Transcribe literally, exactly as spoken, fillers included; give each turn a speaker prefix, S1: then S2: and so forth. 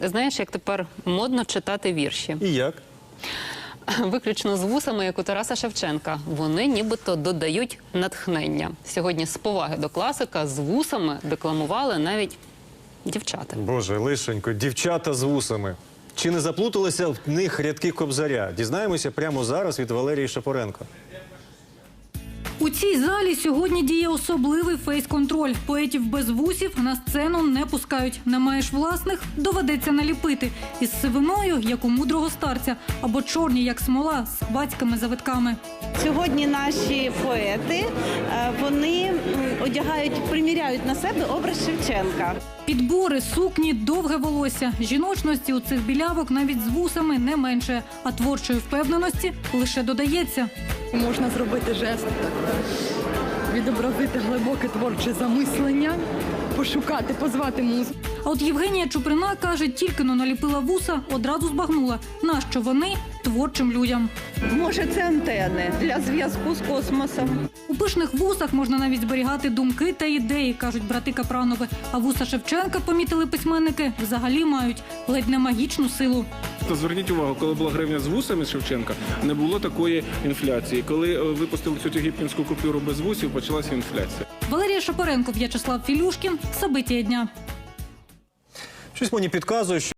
S1: Знаєш, як тепер модно читати вірші?
S2: І як?
S1: Виключно з вусами, як у Тараса Шевченка. Вони нібито додають натхнення. Сьогодні з поваги до класика з вусами декламували навіть дівчата.
S2: Боже, лишенько, дівчата з вусами. Чи не заплуталися в них рядки Кобзаря? Дізнаємося прямо зараз від Валерії Шапоренко.
S3: У цій залі сьогодні діє особливий фейс-контроль. Поетів без вусів на сцену не пускають. Не маєш власних – доведеться наліпити. Із сивиною, як у мудрого старця, або чорні, як смола, з хвацькими завитками.
S4: Сьогодні наші поети, вони одягають, приміряють на себе образ Шевченка.
S3: Підбори, сукні, довге волосся. Жіночності у цих білявок навіть з вусами не менше, а творчої впевненості лише додається.
S5: Можна зробити жест, відобразити глибоке творче замислення, пошукати, позвати музу.
S3: А от Євгенія Чуприна каже, тільки-но наліпила вуса, одразу збагнула, нащо вони творчим людям.
S4: Може, це антени для зв'язку з космосом.
S3: У пишних вусах можна навіть зберігати думки та ідеї, кажуть брати Капранови. А вуса Шевченка, помітили письменники, взагалі мають ледь не магічну силу.
S6: То зверніть увагу, коли була гривня з вусами Шевченка, не було такої інфляції. Коли випустили цю єгипетську купюру без вусів, почалася інфляція.
S3: Валерія Шапоренко, В'ячеслав Філюшкін. События дня.
S2: Щось мені підказує, що